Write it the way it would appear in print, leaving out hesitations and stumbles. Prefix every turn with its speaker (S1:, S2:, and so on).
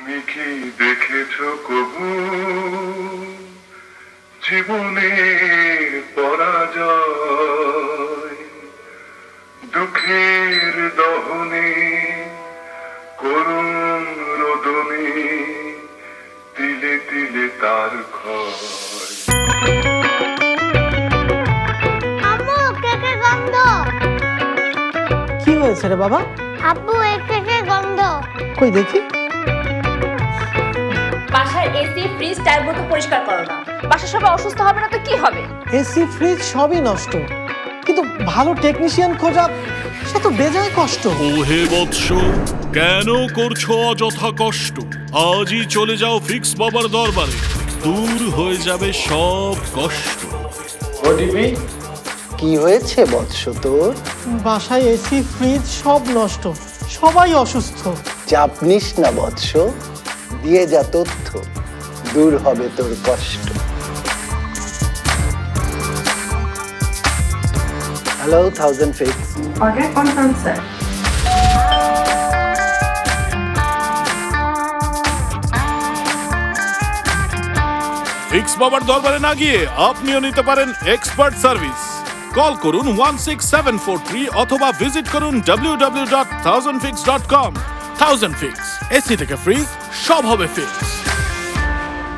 S1: তুমি কি দেখেছো কবু জীবনের পরাজয়, দুঃখের দহনে করুণ রোদনে তিলে তিলে তার ক্ষয়।
S2: আম্মু কেকের গন্ধ।
S3: কি হয়েছে রে বাবা?
S2: আব্বু এই কেকের গন্ধ।
S3: কই দেখি।
S4: বাসার এসি ফ্রিজ টার্বো তো পরিষ্কার করো না। বাসা সবাই অসুস্থ হবে না তো কি হবে?
S3: এসি ফ্রিজ সবই নষ্ট, কিন্তু ভালো টেকনিশিয়ান খোঁজা সে তো বেজায় কষ্ট।
S5: ওহে বৎস, কেন করছো অযথা কষ্ট? আজই চলে যাও ফিক্স বাবার দরবারে, দূর হয়ে যাবে সব কষ্ট।
S6: কি হয়েছে বৎস তোর?
S3: বাসায় এসি ফ্রিজ সব নষ্ট, সবাই অসুস্থ।
S6: চাপ নিস না বৎস, দিয়ে যা তথ্য, দূর হবে তোর কষ্ট। Hello 1000 fix.
S7: Order confirmed, sir.
S5: Fix বাবার দরবারে না গিয়ে আপনিও নিতে পারেন এক্সপার্ট সার্ভিস। কল করুন 16743 অথবা ভিজিট করুন www.1000fix.com। 1000 ফিক্স, এসি থেকে ফ্রিজ সব হবে ফিক্স।